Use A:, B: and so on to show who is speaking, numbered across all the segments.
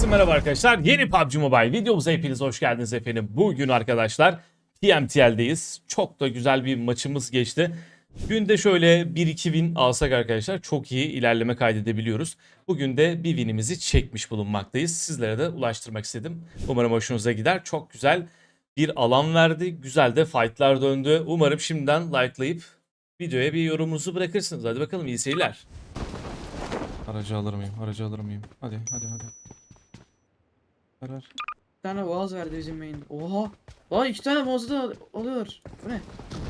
A: Herkese merhaba arkadaşlar. Yeni PUBG Mobile videomuza hepiniz hoş geldiniz efendim. Bugün arkadaşlar TMTL'deyiz. Çok da güzel bir maçımız geçti. Günde şöyle 1-2 win alsak arkadaşlar çok iyi ilerleme kaydedebiliyoruz. Bugün de bir winimizi çekmiş bulunmaktayız. Sizlere de ulaştırmak istedim. Umarım hoşunuza gider. Çok güzel bir alan verdi. Güzel de fightlar döndü. Umarım şimdiden likelayıp videoya bir yorumunuzu bırakırsınız. Hadi bakalım, iyi seyirler. Aracı alır mıyım? Aracı alır mıyım? Hadi. Karar.
B: Bir tane boğaz verdi bizim main. Oha. Lan iki tane boğazı da alıyor. Bu ne?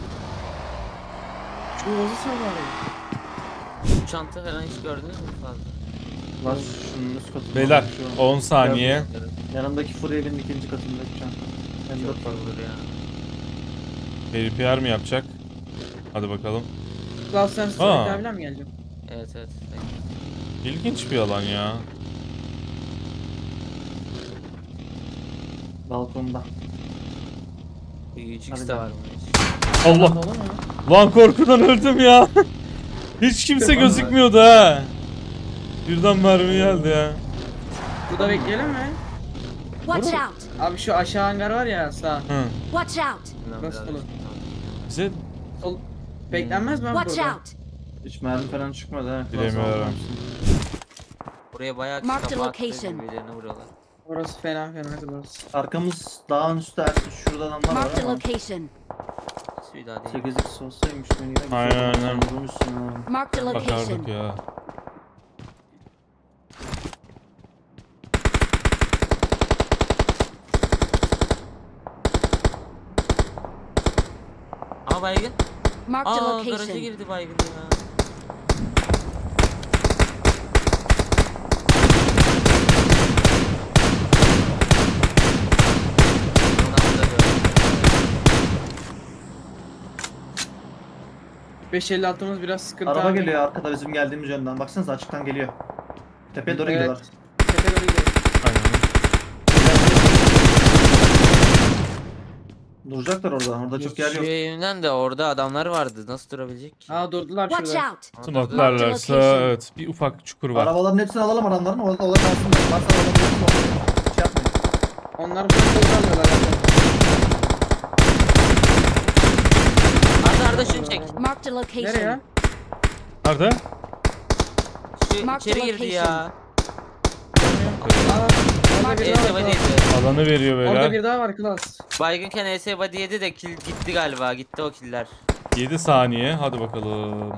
B: Şu boğazı sal bari.
C: Çanta falan hiç gördünüz mü fazla?
D: Var şunun üst katında.
A: Beyler
D: Şu
A: 10 saniye.
D: yanındaki Furiel'in ikinci katındaki çanta. Hem
C: Çok
D: de
C: olur ya.
A: PvPR mi yapacak? Hadi bakalım.
B: Klaus sen
A: Aa.
B: strike abiyle mi geleceksin?
C: Evet.
A: İlginç bir alan ya.
D: balkonda.
C: 3x
D: Hadi
C: de
D: ben.
C: var mı?
A: Allah.
B: Dolu mu?
A: Lan korkudan öldüm ya. Hiç kimse gözükmüyordu ha. Birden mermi geldi ya.
B: Burada bekleyelim mi?
E: Watch out!
B: Abi şu aşağı hangar var ya sağ.
A: Hı.
E: Watch out!
B: Nasıl olur?
A: Bize
B: Sol. Beklenmez mi abi
E: Watch
B: burada?
E: out!
D: Hiç mermi falan çıkmadı ha.
A: Bilemiyorum.
C: Buraya bayağı
E: Mark the
C: kafa attı,
E: location.
C: birbirlerine vuruyorlar.
B: Orası fena burası.
D: Arkamız dağın üstü Ersin. Şurada adamlar var
E: Mark the
D: ama.
E: location.
C: Bir daha değil.
D: 8x olsaymış beni yine güzel
A: Aynen.
D: vurmuşsun ha.
E: Mark the
A: bakardık
E: location.
A: ya.
C: Aa baygın.
E: Mark the
C: Aa garaja
E: location.
C: girdi baygın ya. Ondan da böyle.
B: 556'mız biraz sıkıntı
D: Araba
B: abi.
D: geliyor arkada bizim geldiğimiz yönden. Baksanıza açıktan geliyor. Tepeye doğru
B: Evet.
D: gidiyorlar.
B: Tepe doğru gidiyor.
A: Aynen.
D: Duracaklar orada. Orada çok yer
C: Şu
D: yok.
C: evimden de orada adamlar vardı. Nasıl durabilecek ki?
B: Aa durdular
E: Watch
B: şurada.
E: out!
A: Smoke'larlarsa
E: location.
A: evet bir ufak çukur var.
D: Arabaların hepsini alalım adamların. Orada kalsınlar. Varsa alabilirsin. Şey yapmayın.
B: Onlar burada durdular.
C: Arda şunu çek.
E: Mark the location.
B: Nereye?
A: Nerede?
C: Şu
E: Mark
C: içeri
E: the
C: girdi
E: location.
C: ya.
B: Aa, orada bir daha
C: ES
B: var.
C: body
B: Klaus.
C: yedi.
A: Alanı veriyor
B: Orada
A: beyler.
B: bir daha var Klaus.
C: Baygınken ES body yedi de kill gitti galiba. Gitti o killer.
A: 7 saniye. Hadi bakalım.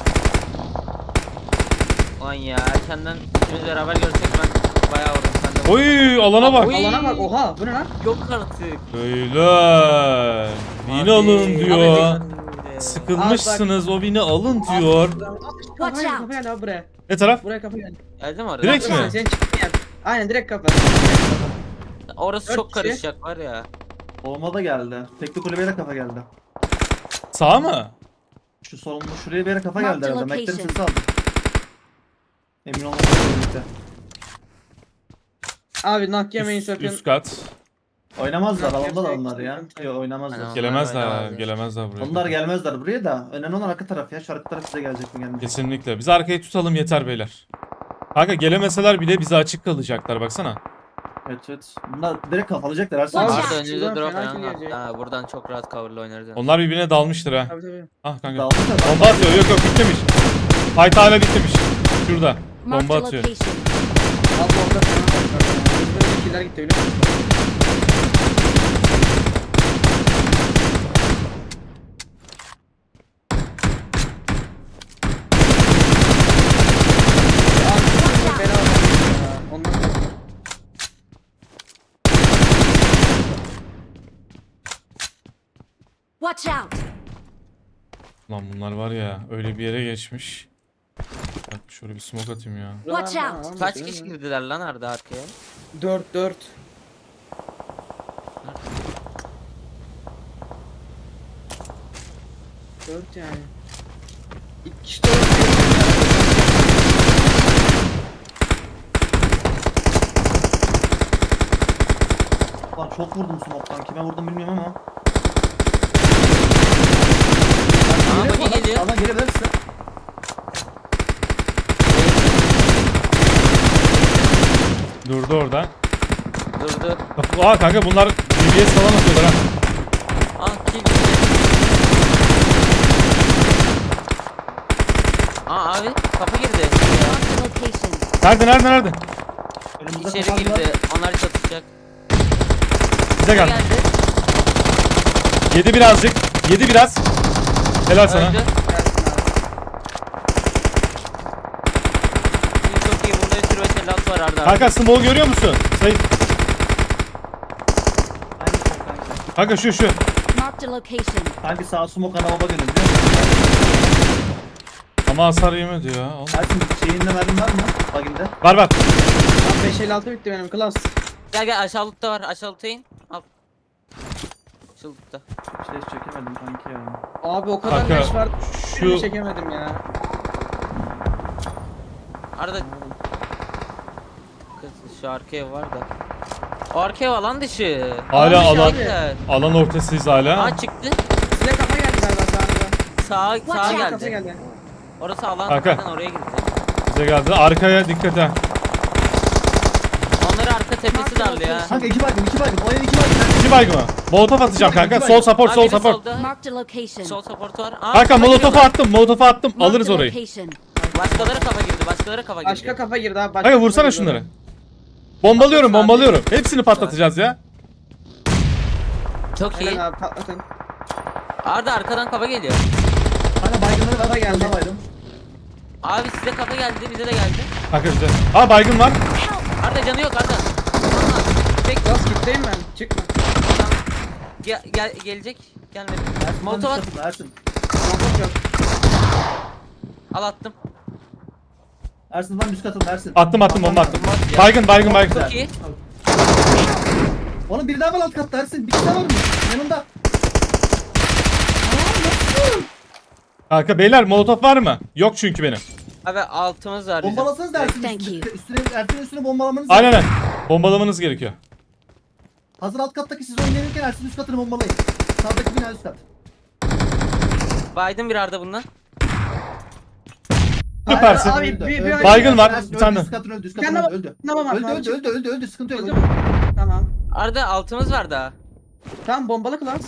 C: Lan ya erkenden ikimiz beraber görsek ben bayağı vurdum. Sen de
A: Oy alana bak.
C: Oy.
B: Alana bak oha bu ne lan?
C: yok artık.
A: Beyler. Win
C: Abi,
A: alın
C: abi
A: diyor.
C: de-
A: Sıkılmışsınız, o win'i alın diyor.
B: Kafa
E: Watch
B: gel
E: out.
B: kafa gel abi buraya.
A: Ne taraf?
B: Buraya kafa gel.
C: Geldi mi orada?
A: Direkt mi?
B: Sen çıktın ya. Aynen direkt kafa.
C: Orası
B: Dört
C: çok
B: kişi.
C: karışacak var ya.
D: Olma da geldi. Tekli kulübeye de kafa geldi.
A: Sağ mı?
D: Şu solunda şuraya bir yere kafa
E: Mark
D: geldi
E: the
D: herhalde. Meklerin
E: location.
D: sesi aldım. Emin olmamakla birlikte.
B: Abi nak yemeyin
A: Üst,
B: sakın.
A: üst kat.
D: Oynamazlar.
B: Yok,
D: Alanda da
B: yok,
D: onlar ya.
B: yok.
D: Yok oynamazlar.
C: Aynen.
A: Gelemezler,
C: oynamazlar.
A: gelemezler buraya.
D: Onlar gelmezler buraya da. Önemli olan arka taraf ya. Şu arka taraf size gelecek mi gelmeyecek.
A: Kesinlikle. Biz arkayı tutalım yeter beyler. Kanka gelemeseler bile bize açık kalacaklar baksana.
D: Evet. Bunlar direkt kafalayacaklar. Her
E: Watch
D: saniye.
E: out.
C: Arda önünüzde
B: Şuradan
C: drop
B: fena
C: falan
B: kill
C: var.
B: yiyecek.
C: Ha, buradan çok rahat cover'la oynarız. yani.
A: Onlar birbirine dalmıştır ha.
B: Tabii tabii.
A: Ah kanka.
D: Dağılmışlar.
A: Bomba atıyor. Yok bitmemiş. Fight hala bitmemiş. Şurada.
E: Mark
A: Bomba
E: the
A: atıyor.
E: location.
B: Abi orada fena var. Burada killer gitti biliyor musun? Abi, fena var ya. Ondan sonra.
E: Watch out!
A: Lan bunlar var ya öyle bir yere geçmiş. Bak şöyle bir smoke atayım ya.
E: Watch out.
C: Kaç kişi girdiler lan Arda arkaya?
B: 4. Dört yani. İki kişi de
D: Lan çok vurdum smoke'tan. Kime vurdum bilmiyorum ama.
C: Aa bagi geliyor.
D: Allah gelebilirsin.
A: Dur Durdu orada.
C: Durdu.
A: Aa kanka bunlar DBS falan atıyorlar ha.
C: Ah kill. Aa abi kafa girdi.
E: Marked a location.
A: Nerede?
D: Önümüzde
C: İçeri
D: kapan var.
C: girdi. Onlar çatışacak.
A: Bize gel.
C: Geldi.
A: Yedi birazcık. Yedi biraz. Helal sana.
C: Öldü.
B: Gelsin abi.
C: İyi, çok iyi. Bunda bir sürü mesellat var Arda.
A: Kanka smoke görüyor musun? Sayın.
D: Aynı şey kanka.
A: Kanka şu.
E: Marked a location.
D: Kanki sağ smoke ana baba dönüyor biliyor musun?
A: Ama hasar yemedi ya. Oğlum.
D: Ersin şeyinde mermin var mı? Baginde.
A: Var.
B: Abi 556 bitti benim klas.
C: Gel aşağılıkta var. Aşağılıkta in. Al. Aşağılıkta.
D: Şey çekemedim kanki ya.
B: Abi o kadar
A: Kanka,
B: leş var.
A: şu-
B: Şunu çekemedim ya.
C: Arda. Kız şu arka ev var da. O arka ev alan dışı.
A: Hala
C: Alan dışı
A: alan.
C: arkadaşlar.
A: Alan ortasıyız hala.
C: Aa çıktı.
B: Size kafa geldi galiba sağınıza.
C: Sağa
E: Watch out.
C: geldi.
B: Kafa geldi.
C: Orası alan.
A: Arka.
C: Zaten oraya girecek.
A: Bize geldi. Arkaya dikkat ha.
C: Onları arka tepesi daldı ya.
D: Kanka 2 baygın. O ev 2 baygın.
A: 2 baygın mı? Molotof atacağım kanka.
D: İki
A: Sol
D: baygın.
A: support,
C: Aa,
A: sol
C: biri
A: support.
C: solda.
E: Marked a location.
C: Sol support var. Aa,
A: Kanka
C: kafa
A: molotofu
C: giriyor.
A: attım. Molotofu attım.
E: Marked
A: Alırız
E: a
A: orayı.
E: location.
C: Başkaları kafa girdi. Başkaları kafa girdi.
B: Başka kafa girdi abi. Başka
A: Kanka vursana
B: kafa girdi.
A: şunları. Bombalıyorum,
C: Patlat abi.
A: bombalıyorum. Hepsini patlatacağız ya.
C: Çok iyi.
B: Aynen abi patlatın.
C: Arda arkadan kafa geliyor.
D: Kanka baygınları var.
B: Kafa geldi.
D: Kafa baydım.
C: Abi size kafa geldi. Bize de geldi.
A: Kanka bize. Aa baygın var.
C: Arda canı yok Arda. Aa, tek
B: Klas kitleyim ben. Çıkma.
C: adam. Gelecek. Gelmedi.
D: Ersin
C: Molotov at.
D: Ersin.
B: Molotov yok.
C: Al attım.
D: Ersin lan üst katında Ersin.
A: Attım bomba attım.
C: Bomba at ya.
A: Baygın.
C: Çok iyi.
D: Oğlum biri daha var alt katta Ersin. Bir kişi daha var mı? Yanımda.
A: Kanka beyler molotof var mı? Yok çünkü benim.
C: Abi altımız var bizim.
D: Bombalasanız da Ersin
E: Thank you.
D: Ersin'in üstüne bombalamanız
A: Aynen aynen. Bombalamanız gerekiyor.
D: Hazır alt kattaki siz oynayırken Ersin üst katını bombalayın. Sağdaki bina üst kat.
C: Biden bir Arda bundan.
A: Süpersin.
B: Abi,
D: Öldü,
B: bir-
D: öldü.
B: bir-
A: Baygın var,
D: Ersin
A: bir
D: öldü,
A: tane.
D: Üst katın öldü. Üst
B: Bir
D: katın
B: tane
D: öldü.
B: Tamam abi.
D: Öldü. Sıkıntı yok.
B: Öldü mü? Tamam.
C: Arda altımız var daha.
B: Tamam bombalı klas.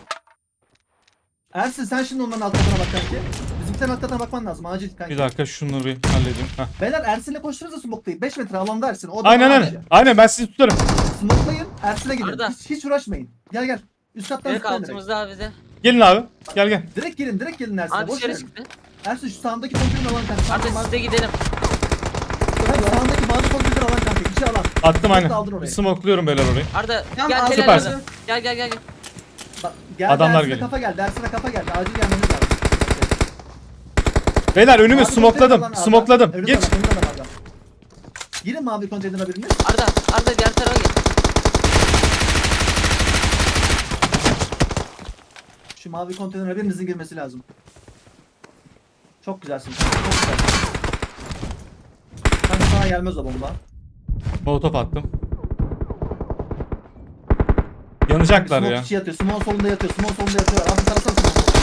D: Ersin sen şimdi onların alt katına bak kanki. Bizimkilerin alt katına bakman lazım acil kanki.
A: Bir dakika şunları bir halledeyim. Heh.
D: Beyler Ersin'le koştururuz da smoke'layın. 5 metre alanda Ersin. O da
A: Aynen
D: var
A: aynen.
D: ya.
A: Aynen ben sizi tutarım.
D: Smoke'layın Ersin'e gidin.
C: Arda.
D: Hiç uğraşmayın. Gel. Üst kattan
C: Direkt
D: zıplayın direkt.
C: altımızda abi bize.
A: Gelin abi. Gel.
D: Direkt gelin Ersin'e.
C: Abi
D: Boş
C: dışarı
D: verin.
C: çıktı.
D: Ersin şu sağındaki konteyner alan kanka.
C: Arda siz de gidelim.
D: Sağındaki bazı konteyner alan kanka. İçi alan.
A: Attım aynen.
D: Aldın orayı.
A: Smokluyorum beyler orayı.
C: Arda
B: Tamam,
C: gel
B: aldım.
C: Celal
A: Süpersin.
C: Arda. Gel.
D: Bak, geldi
A: Adamlar
D: Ersin'e
A: geliyor.
D: kafa geldi. Ersin'e kafa geldi. Acil gelmeniz lazım.
A: Beyler önümü
D: Mavi konteyner
A: smokladım.
D: alan Arda.
A: Smokladım.
D: Önünde
A: Geç.
D: adam, önünde adam Arda. Girin mavi konteynere biriniz.
C: Arda diğer tarafa gel.
D: Şu mavi konteynere birinizin girmesi lazım. Çok güzelsin. Çok güzel. Kanka sana gelmez o bomba.
A: Molotof attım. Yanacaklar
D: Smoke
A: ya.
D: içi yatıyor. Smoke solunda yatıyor. Abi taraftan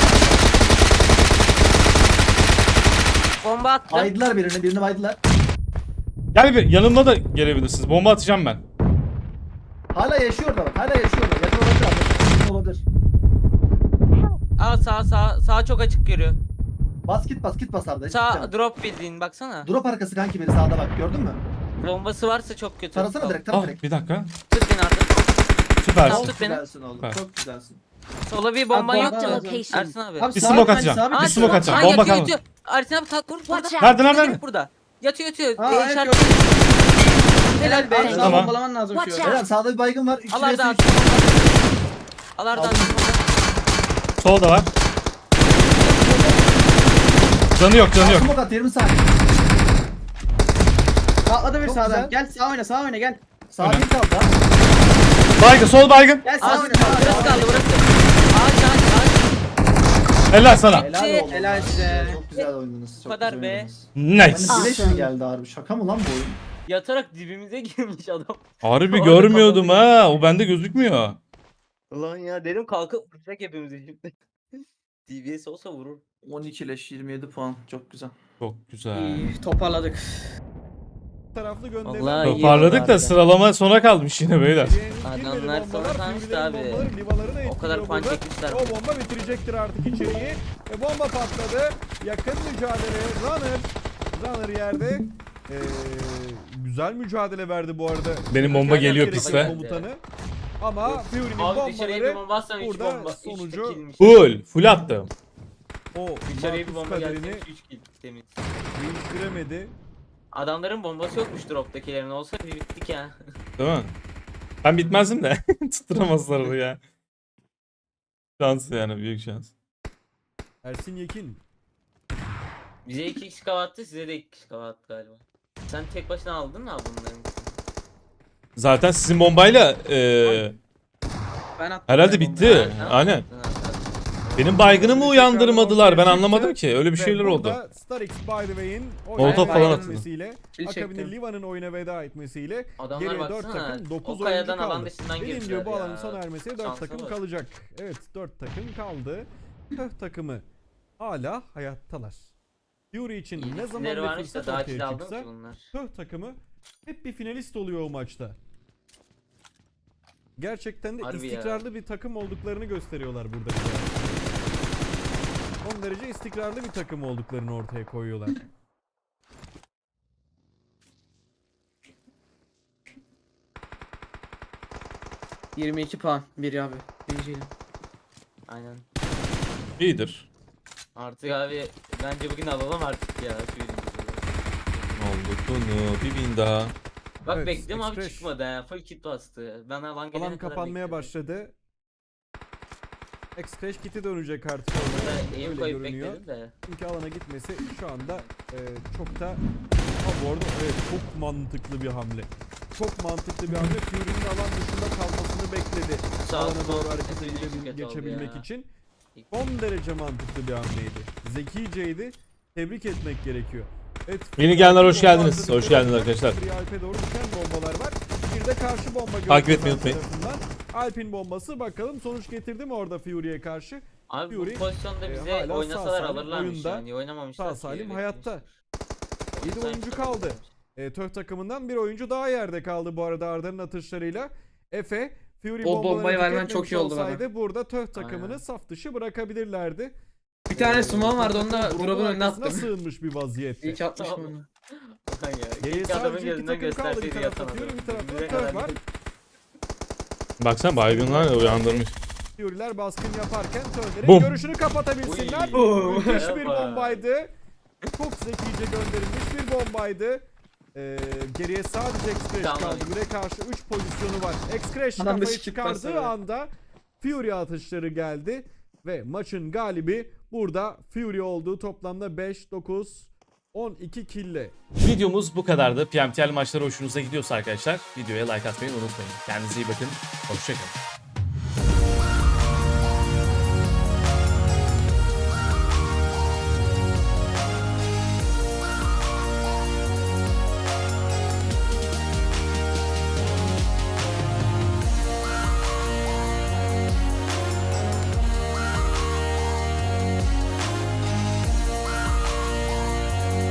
C: Bomba attım.
D: baydılar birini baydılar.
A: Gel bir yanımda da gelebilirsiniz. Bomba atacağım ben.
D: Hala yaşıyor da bak. Yakın olabilir abi. Yakın olabilir.
C: Aa sağ çok açık görüyor.
D: Git bas Arda. Hiç
C: Sağ
D: gitme.
C: drop bildiğin baksana.
D: Drop arkası kanki biri sağda bak. Gördün mü?
C: Bombası varsa çok kötü.
D: Tarasana direkt.
A: Ah
D: Tara direkt.
A: bir dakika.
C: Tut beni Arda.
A: Süpersin.
C: Tut
D: Çok
C: beni.
D: güzelsin oğlum.
A: Süper.
D: Çok güzelsin.
C: Sola bir bomban
B: Abi,
C: yok
B: bomba
C: mu?
E: location.
C: Ersin abi.
B: Abi
A: Bir
B: sabit,
A: smoke
B: hani
A: atacağım.
B: sabit.
A: Bir smoke atacağım.
C: Aa,
A: Bomba
C: yatıyor,
A: kalmadı.
C: yatıyor. Ersin abi kalk vur burada.
E: Watch out.
A: Nerede lan
C: Direkt
A: nerede?
C: burada. Yatıyor.
B: Aa, evet,
C: İşaret.
B: gördüm.
C: Helal be.
B: Abi, daha
A: Tamam.
B: bombalaman lazım şu
E: Watch
B: an.
E: out.
D: Beyler sağda bir baygın var.
C: Al Arda abi. Al Arda abi.
D: Aldım.
A: Solda var. Canı yok.
D: Smoke at 20 saniye.
B: Patladı bir
D: Çok
B: sağdan.
D: güzel.
B: Gel sağ oyna gel.
D: Sağ
A: Öyle.
D: bir kaldı ha.
A: Baygın, sol baygın.
B: Gel sağ
C: Ağaç
B: oyna.
C: burası kaldı burası. Ağaç.
A: Helal sana.
D: Helal olsun.
B: Helal size.
D: Çok güzel oynadınız. Çok
C: kadar
D: güzel
C: be.
D: oynadınız.
A: Nice.
D: Hani bileş mi
E: Awesome.
D: geldi harbi? Şaka mı lan bu oyun?
C: Yatarak dibimize girmiş adam.
A: Harbi
C: Orada
A: görmüyordum
C: kapalı.
A: ha. O bende gözükmüyor.
C: Ulan ya dedim kalkıp vuracak hepimizi şimdi. DBS olsa vurur.
D: 12 leş 27 puan. Çok güzel.
A: Çok güzel.
B: İyi toparladık.
F: taraflı gönderilen
C: Vallahi iyi
A: Toparladık
C: oldu
A: da
C: harbiden.
A: sıralama sona kalmış yine beyler.
C: Adamlar sonra kalmıştı abi. O kadar puan çekmişler.
F: O bomba bitirecektir artık içeriği. Ve bomba patladı. Yakın mücadele. Runner yerde. Güzel mücadele verdi bu arada.
A: Benim bomba
F: Gerçekten
A: geliyor
F: gerekli
A: piste.
F: Komutanı. Ama Fury'nin
C: Abi dışarıya bir
F: bombaları
C: bomba atsan 3
F: burada
C: bomba. 3
F: sonucu-
C: killmiş.
A: Full attım.
F: o
C: Dışarıya bir
F: Marcus
C: bomba
F: kaderini
C: gelse 3 kill temiz.
F: değiştiremedi.
C: Adamların bombası yokmuş drop'takilerin. Olsa bir bittik ya.
A: Değil mi? Ben bitmezdim de. Tutturamazlar onu ya. Şans yani, büyük şans.
F: Ersin Yekin.
C: Bize 2 kişi kava attı, size de 2 kişi kava attı galiba. Sen tek başına aldın mı abi bunların?
A: Zaten sizin bombayla
B: Ben attım.
A: herhalde
B: ben
A: bitti.
B: bombayı.
C: Ha,
A: Aynen.
C: ha.
A: Benim baygınımı uyandırmadılar. Ben
F: Çıktı.
A: anlamadım ki. Öyle bir
F: Ve
A: şeyler oldu.
F: burada Starix by the Way'in
A: Molotov
B: falan
F: oyuna
B: atıyor.
F: etmesiyle,
B: Kill
F: akabinde
B: çektim.
F: Liva'nın oyuna veda etmesiyle
C: Adamlar
F: geriye 4
C: baksana.
F: takım 9
C: O
F: oyuncu
C: kayadan alan
F: kaldı.
C: dışından
F: Dediğim
C: girdiler
F: gibi bu
C: ya.
F: alanın sona ermesiyle 4
C: Şansa
F: takım
C: bak.
F: kalacak. Evet 4 takım kaldı. Töh takımı hala hayattalar. Fury için
C: İyi
F: ne zaman
C: isimleri
F: bir
C: varmış da
F: fırsat
C: daha
F: ortaya
C: kill aldım
F: çıksa
C: ki bunlar.
F: Töh takımı hep bir finalist oluyor o maçta. Gerçekten de
C: Harbi ya.
F: istikrarlı bir takım olduklarını gösteriyorlar burada bize. Son derece istikrarlı bir takım olduklarını ortaya koyuyorlar.
B: Ben 22 puan. Biri abi. Birinciyim.
C: Aynen.
A: İyidir.
C: Artık abi bence bugün alalım artık ya. Şu ürünü.
A: Oldu bunu. Bir bin daha.
C: Bak
F: Evet,
C: bekliyorum abi
F: Express.
C: çıkmadı ha. Full kit bastı. Ben alan gelene
F: Alan
C: kadar
F: kapanmaya
C: bekliyorum.
F: başladı. X-Crash kit'i dönecek artık
C: Burada
F: orada.
C: aim
F: Öyle
C: koyup
F: görünüyor.
C: bekledim de.
F: Çünkü alana gitmesi şu anda çok da... Ha bu arada evet çok mantıklı bir hamle. Çok mantıklı bir hamle. Fury'nin alan dışında kalmasını bekledi.
C: Sağ
F: Alana
C: sol
F: doğru hareket
C: sesini
F: edebil-
C: kötü oldu
F: geçebilmek
C: ya.
F: için. Son derece mantıklı bir hamleydi. Zekiceydi. Tebrik etmek gerekiyor. Evet,
A: Yeni gelenler hoş
F: bomba
A: geldiniz.
F: hazırlıkları
A: Hoş geldiniz
F: var.
A: arkadaşlar.
F: Free Alp'e doğru düşen bombalar var. Bir de karşı bomba
A: Takip
F: gördüm
A: etmeyi
F: ben
A: unutmayın.
F: tarafından. Alp'in bombası bakalım sonuç getirdi mi orada Fury'ye karşı?
C: Abi
F: Fury,
C: bu pozisyonda bize
F: hala sağ
C: oynasalar
F: salim
C: alırlarmış
F: oyunda,
C: yani. Oynamamışlar
F: sağ
C: ki,
F: salim
C: beklemişler.
F: hayatta. 7
C: Sanki
F: oyuncu
C: sana
F: kaldı.
C: oynamış.
F: Töh takımından bir oyuncu daha yerde kaldı bu arada Arda'nın atışlarıyla. Efe, Fury
B: O
F: bombaları
B: bombayı vermen
F: tüketmemiş
B: çok iyi oldu bana.
F: olsaydı burada Töh takımını
C: Aynen.
F: saf dışı bırakabilirlerdi.
B: Bir tane summon vardı, onu da
F: Drop'un
B: drop'un önüne
F: arkasına
B: attım.
F: sığınmış bir vaziyette.
B: İyi ki atmışım
C: Tamam.
B: onu.
C: Ulan ya.
F: Geriye
C: Keşke adamın
F: sadece iki
C: gözünden
F: takım kaldı. Bir
C: gösterseydi
F: tarafta
C: yatan
F: Fury,
C: adamı.
F: bir tarafta
C: Bize
F: Töh
C: kadar
F: var.
A: Baksana baygınlar uyandırmış.
F: Fury'ler baskın yaparken Töh'lerin
A: Bum.
F: görüşünü kapatabilsinler.
C: Uy.
F: Müthiş bir
C: Yapma.
F: bombaydı. Çok zekice gönderilmiş bir bombaydı. Geriye sadece X-Crash
C: Tamam.
F: kaldı. Bire karşı 3 pozisyonu var. X-Crash
B: Adam da
F: kafayı
B: şık pas
F: çıkardığı
B: veriyor.
F: anda Fury atışları geldi. Ve maçın galibi burada Fury olduğu toplamda 5, 9, 12 kille.
A: Videomuz bu kadardı. PMTL maçları hoşunuza gidiyorsa arkadaşlar videoya like atmayı unutmayın. Kendinize iyi bakın. Hoşçakalın.